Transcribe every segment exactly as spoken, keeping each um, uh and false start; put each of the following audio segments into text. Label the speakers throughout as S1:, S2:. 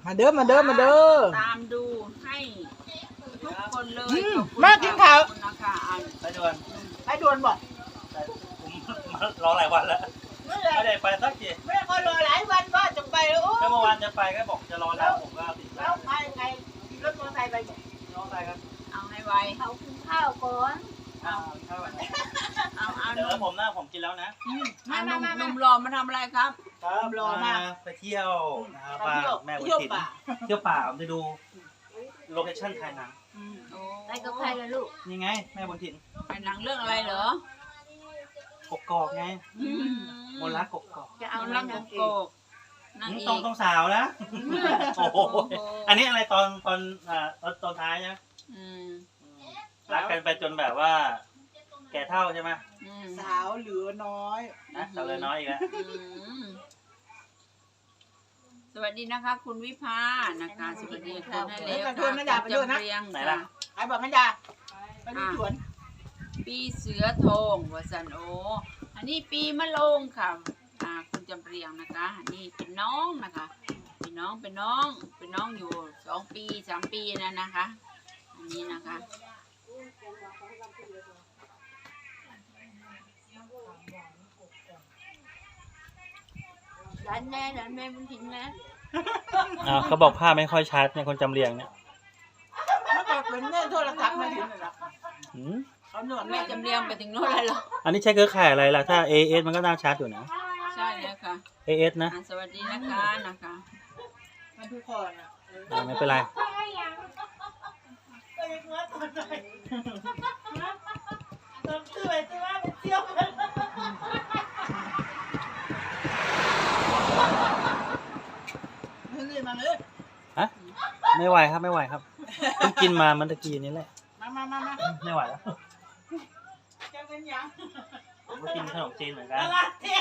S1: มาเด้อมาเด้อมาเด้อ
S2: ตามดูให้ทุกคนเลย
S1: มากินข้าว
S2: นะคะ
S3: ไปด่วน
S1: ไปด่วนบอก
S3: ผมรอหลายวันแล้วไม่ได้ไปสักที
S1: ไม่ได้รอหลายวันก็จะไปแล้ว
S3: ก็เมื่อวานจะไปก็บอกจะรอแล้วผมก็ติด
S1: แล้วไปไงรถมอเตอร์ไซค์ไปบอก
S3: รอไปครับ
S2: เอาให้ไว
S4: เขากินข้าวก่อน
S3: เอาเข้าไป
S2: เอาเอา
S3: เดี๋ยวผมนะผมกินแล้วนะ
S2: มามามาหนุ่มรอมาทำอะไรครับ
S3: ครับรอมาไปเที่ยวนะครับป้าแม่บุญถิ่นเที่ยวป่าผมจะดูโลเคชั่นถ่ายหนัง
S4: ไปกับใครล่ะลูก
S3: นี่ไงแม่บุญถิ่น
S2: ถ่ายหนังเรื่องอะไรเหรอก
S3: กอกไงมนรักกกอก
S2: จะเอาเรื่องกกอก
S3: ตรงตรงสาวนะโอ้โหอันนี้อะไรตอนตอนอ่าตอนตอนท้ายนะรักกันไปจนแบบว่าแก่เท่าใช่ไหม
S1: สาวเหลือน้อย
S3: นะสาวเหลือน้อยอีกแล้ว
S2: สวัสดีนะคะคุณวิภานะคะสวัสดีค่ะนั่นเองค่ะ
S1: จำเรียงไหนล่ะไอ้บอกแม่ดาไปดูสวน
S2: ปีเสือโทงวัสันโออันนี้ปีมะโรงค่ะอ่าคุณจำเรียงนะคะอันนี้เป็นน้องนะคะเป็นน้องเป็นน้องเป็นน้องอยู่สองปีสามปีนะนะคะอันนี้นะคะ
S4: ร้านแม่ร้านแม่บุญถิ่นแม่
S3: อ่าเขาบอกภาพไม่ค่อยชัดเนี่ยคนจำเรียงเนี่ย
S1: เมื่อก่อนเป็นแม่โทรศัพท์มาถึงเลยล่ะ
S2: เขาหนวดแม่จำเรียงไปถึงโน่นเลยเหรอ
S3: อันนี้ใช้เครือข่ายอะไรล่ะถ้า เอ เอส มันก็น่าชัดอยู่นะ
S2: ใช่เลยค่ะ
S3: เอ เอส นะ
S2: สวัสดีนะคะนะคะ
S1: มันทุกคน
S3: อ่ะไม่เป็นไร
S1: ต้องคือไปที่ว่าเป็นเที่ยวกันนี่มาเลย
S3: ฮะไม่ไหวครับไม่ไหวครับเพิ่งกินมามันตะกี้นี้แหละ
S1: มามามามา
S3: ไม่ไหวแล้ว
S1: จะเป็นยัง
S3: ผมก็กินขนมจีนเหมือนกัน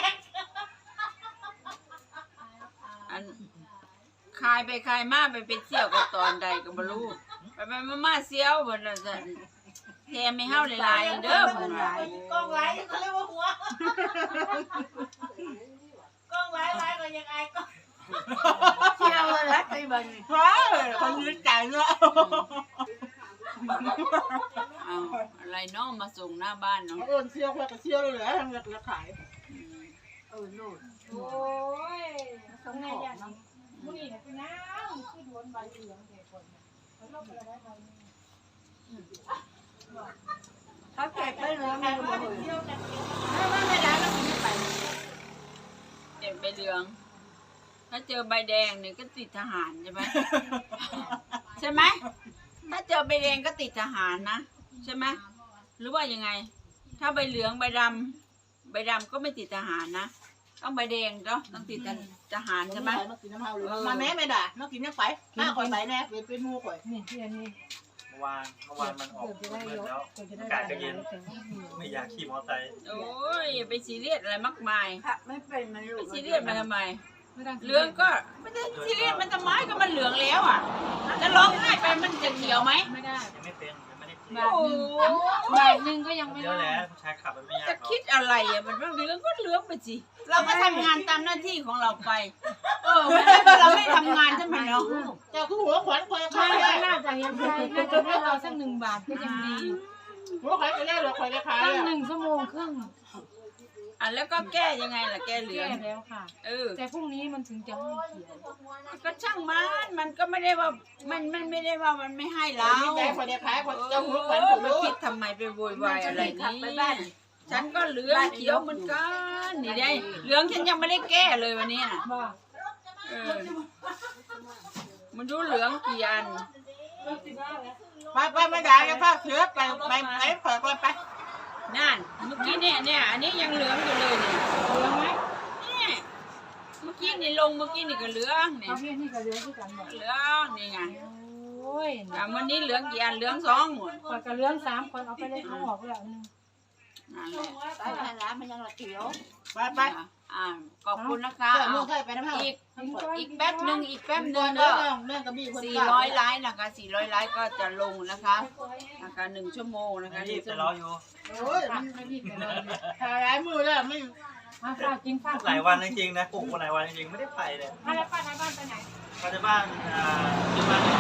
S2: อันคายไปคายมาไปเป็นเสี่ยวกับตอนใดก็บรู้ไปไปมามาเสี่ยวบนนั้นแทมไม่เห่าหลายๆเด้อผม
S1: หลายกล้องไลท์เขาเรียกว่าหัวกล้องไลท์ไลท์ก็ยังไงก็
S4: เที่ยวรักไปบ้าง
S1: ว้าคนยืนใจเนาะ
S2: เอาอะไรน้องมาส่งหน้าบ้านเนาะ
S1: เออเที่ยวแค่ก็เที่ยวเลยเหรอทำเงินราขาย
S4: เออโน่นโอ้ยต้องไงอย่างนี้มุ้ยเนี่ยเป็นน้ำคือโดนใบเหลืองเด็กคนเขาลบไปได้ใบเขาแจกไปเลยไม่รู้เลยไม่ไม่ได้แล้วไม่ไป
S2: เจ็บใบเหลืองถ้าเจอใบแดงเนี่ยก็ติดทหารใช่ไหมใช่ไหมถ้าเจอใบแดงก็ติดทหารนะใช่ไหมหรือว่ายังไงถ้าใบเหลืองใบดำใบดำก็ไม่ติดทหารนะต้องใบแดงเนาะต้องติดทหารใช่ไหม
S1: มาแม่ไม่ด่ามากินยังไปมาคอยไปแน่เป็นเป็นมูคอย
S4: นี่ที่อันนี้
S3: เมื่อวานเมื่อวานมันออกมืดแล้วอากาศก็เย็นไม่อยากขี่มอเตอร์ไซค์
S2: โอ้ยไปซีเรียสอะไรมากมาย
S4: ไม่เป็นมัน
S2: ไปซีเรียสมาทำไมเหลืองก็ไม่ได้ซีเรียสมันจะไม้ก็มันเหลืองแล้วอ่ะจะร้องไห้ไปมันจะเขียวไหม
S4: ไม่ได้
S3: ยังไม่เป็นยังไม่ได้
S4: บาทหนึ่งบาทหนึ่งก็ยังไม่
S3: ได้เยอะแล้วผู้ชายขับมันไม่ยาก
S2: จะคิดอะไรอ่ะมันเหลืองก็เหลืองไปสิเราก็ทำงานตามหน้าที่ของเราไปเออเราไม่ทำงานใช่ไหมเนาะ
S1: เจ้าคือหัวขวัญคอยข้า
S4: ไม่น่าจะยังใช่น่าจะให้เราสักหนึ่งบาทก็ยังดี
S1: หัวขวัญไปแล้วเราคอยได้ขาย
S4: ตั้งหนึ่งชั่วโมงครึ่ง
S2: อ่ะแล้วก็แก้ยังไงล่ะแก้เหลือง
S4: แล้วค่ะ
S2: เออ
S4: แต่พรุ่งนี้มันถึงจะให้เขียว
S2: ก็ช่างมันมันก็ไม่ได้ว่ามันมันไม่ได้ว่ามันไม่ให้เรา
S1: แก้คอยได้ขายคอยเจ้าหัวขวัญ
S2: ไปคิดทำไมไปโวยวายอะไรนี่ฉันก็เหลืองเขียวเหมือนกันนี่ได้เหลืองฉันยังไม่ได้แก้เลยวันนี้น่ะเออมันดูเหลืองกี่อัน
S1: ไปไปไม่ได้แล้วก็เสือไปไปไปเปิดไปไป
S2: นั่นเมื่อกี้เนี่ยเนี่ยอันนี้ยังเหลืองอยู่เลยเนี่ย
S4: เหลืองไหม
S2: เนี่ยเมื่อกี้นี่ลงเมื่อกี้นี่ก็เหลืองเนี่ย
S4: เอาพี่นี่ก็เหลืองที่กันหมด
S2: เหลืองนี่ไง
S4: โอ้ย
S2: วันนี้เหลืองกี่อันเหลืองสองหมด
S4: คนก็เหลืองสามคนเอาไปเลยเอาออกแล้วนึง
S2: นั่นแหละ
S4: ไปร้านมันยังละเขียว
S1: ไปไป
S2: อ่าขอบคุณนะคะอีกอีกแป๊บหนึ่งอีกแป๊บหนึ่งก็สี่ร้อยไลค์นะคะสี่ร้อยไลค์ก็จะลงนะคะนะคะหนึ่งชั่วโมงนะคะ
S3: นี่จะรออยู่
S1: โอ้ยถ่ายหลายมือแล้วไม่
S4: ข้าวกินข้าว
S3: หลายวันจริงๆนะปลูกมาหลายวันจริงๆไม่ได้ไปเลย
S4: มาแล้วป้าในบ้านไปไหน
S3: ปัจจุบันอ่าที่บ้านเนี่ย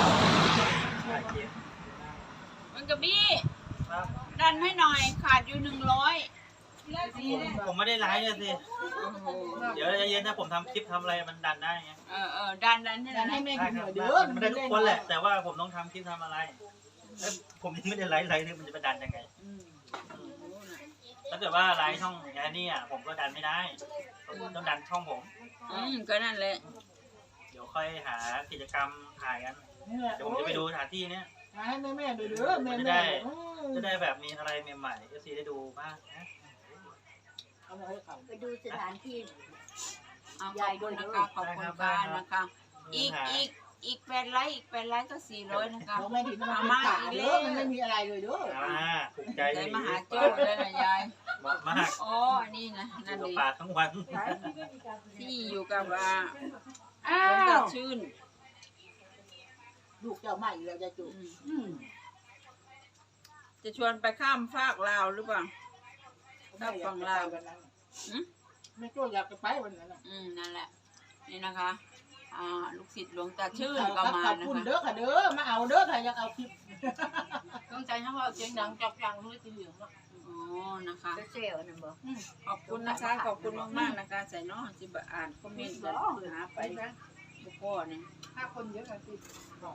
S2: มันกระบี้
S3: ครับ
S2: ดันให้หน่อยขาดอยู่หนึ่งร้อย
S3: ผมผมไม่ได้ไลฟ์เลยสิ เดี๋ยวเย็นๆถ้าผมทำคลิปทำอะไรมันดันได้ไง
S2: เออเออดันดันให้ห
S1: ดั
S2: น่อน ย
S1: ให้
S2: นะ
S1: แม่
S3: ได้
S1: กิน
S3: ค
S1: ห
S3: รั
S1: น่
S3: บ
S1: อยเด้อ
S3: มันได้ทุกคนแหละ แต่ว่าผมต้องทำคลิปทำอะไรเอ้ยผมยังไม่ได้ไลฟ์ไลฟ์เนี่ยมันจะไปดันยังไง
S2: อืม
S3: ถ้าเกิดว่าไลฟ์ช่องแอนนี่อ่ะผมก็ดันไม่ได้ผมต้องดันช่องผม
S2: อืมก็นั่นแหละ
S3: เดี๋ยวค่อยหากิจกรรมถ่ายกัน
S1: นี่แหละ
S3: เดี๋ยวผมจะไปดูสถานที่เนี้ย
S1: มาให้แม่แม่ๆดูเด้อแม่
S3: จะ
S1: แม่
S3: ได้
S1: ๆ
S3: จะได้แบบมีอะไรใหม่ๆเอฟซีได้ดูบ้างนะ
S1: เอามาให้เขา
S5: ไปดูสถานที่
S2: เอาขอบคุณนะคะขอบคุณค่ะนะคะ อีกอีกอีกแปดไลค์อีกแปดไลค์ก็สี่ร้อยนะคะ
S1: บอกแม่ถิ่นมันเป็นป่าเด้อมันไม่มีอะไรเลยเด้อ
S3: อ่าถูกใจ
S2: ใจ
S3: ดี
S2: มหาโจ้เลยนะยาย
S3: เหมาะมาก
S2: อ๋ออันนี้นะ
S3: อ
S2: นั่น
S3: ยู่กับ
S2: ดี
S3: ป่าทั้งวัน
S2: ที่อยู่กับอ่า
S1: อ้า
S2: หลวงตาว ชื่น
S1: ลูกเจ้าใหม่แล้วจะจุ
S2: อืม
S1: อืม
S2: จะชวนไปข้ามฟากลาวหรือเปล่า
S1: ถ้าฝั่งลาววันนั้น
S2: อืม
S1: แม่โจ้อยากจะไปวันนั้นน่ะ
S2: อืมนั่นแหละ นี่นะคะ อ่า ลูกศิษย์หลวงตาชื่น
S1: เขา
S2: ก็มา
S1: ขอบ
S2: นะ
S1: คุณ
S2: คะ
S1: เด้อค่ะเด้อมาเอาเด้อค่ะอยากเอาคลิป
S4: ต้องใจทั้งว่าเสียงดังจับจังรู้สีเหลืองเนาะ
S2: อ๋อ นะคะ
S5: ไปเซลล์นะบอก
S2: ขอบคุณนะคะ ขอบคุณมากๆนะคะใส่น้องจิบอ่านคอมเมนต์กันหาไปบุกพ่อเนี่ย
S4: ถ้าคนเยอะกันติด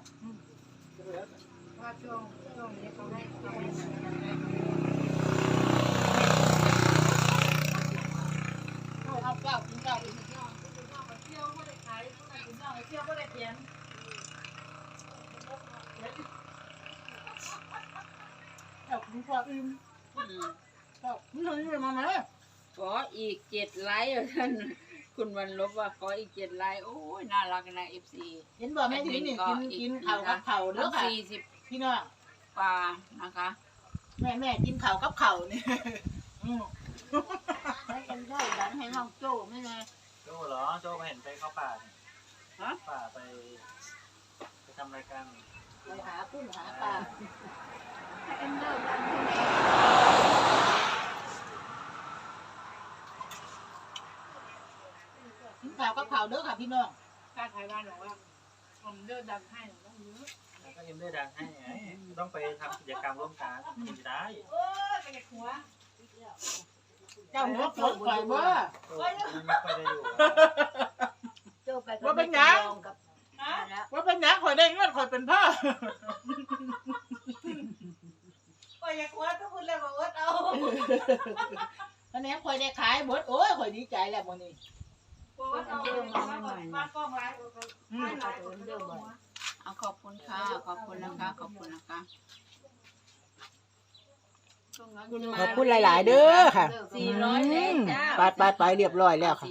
S4: ว่าช่วงช่วงนี้เขาให้เขาให้
S1: เอาเก้ากินเก้าอีก
S4: เที่ยวเที่ยวก็ได้ขายเที่ยวก็ได้เที่ยวก็ได้เขียน
S1: เก้ากินข้าวอิ่ม
S2: อืม
S1: เก้านี่เท่านี้มาไหม
S2: ขออีกเจ็ดไลค์ท่านคุณวันลบว่าขออีกเจ็ดไลค์โอ้ยน่ารักนะเอฟซี
S1: เห็นบอกแม่ถิ่นนี่กินกินข้าวกับข้าวเด้อค่ะ
S2: สี่สิบ
S1: พี่น้อง
S2: กว่านะคะ
S1: แม่แม่กินข้าวกับข้าวนี่อืม
S5: ให้กันได้ดันให้น้องโจ้ไม่ไง
S3: โจ้เหรอโจ้ไปเห็นไปเข้าป่าเนี่ย
S2: ฮะ
S3: ป่าไปไปทำรายการ
S1: ไปหากุ้งหาปลา
S5: ให้กันได้ดันให้แม่
S1: กินข้าวกับข้าวเด้อค่ะพี่น้อง
S4: ถ้าไทยบ้านบอกว่าผมเดินดันให้ต้องเยอะ
S3: แล้วก็เอ็มได้ดังให้ไงต้องไปทำกิจกรรมร่วมกันถึงจะได้
S4: โอ้ยไปหัว
S1: เจ้าหัวปวดข่อยบ่
S3: โจ้ไม่ค่อยได้อยู่
S5: โจ้ไปกับแม่จำลองกับแล้ว
S1: ว่าเป็นหยังข่อยได้เงินข่อยเป็นพ่อ
S4: ก็อยากหัวทุกคนเลยบอกว่าเอา
S1: ตอนนี้ข่อยได้ขายหมดโอ้ยข่อยดีใจแล้วมื้อนี้
S4: บอกว่าเอามากล้องไลฟ์
S5: ให้เราเดินเดินบ่อย
S2: เอาขอบคุณค่ะ ขอบคุณนะคะ ขอบคุณนะคะ
S1: ขอบคุณหลาย ๆ เด้อค่ะ
S2: สี่ร้อยแล้วจ้า
S1: ไปไปไปเรียบร้อยแล้วค่ะ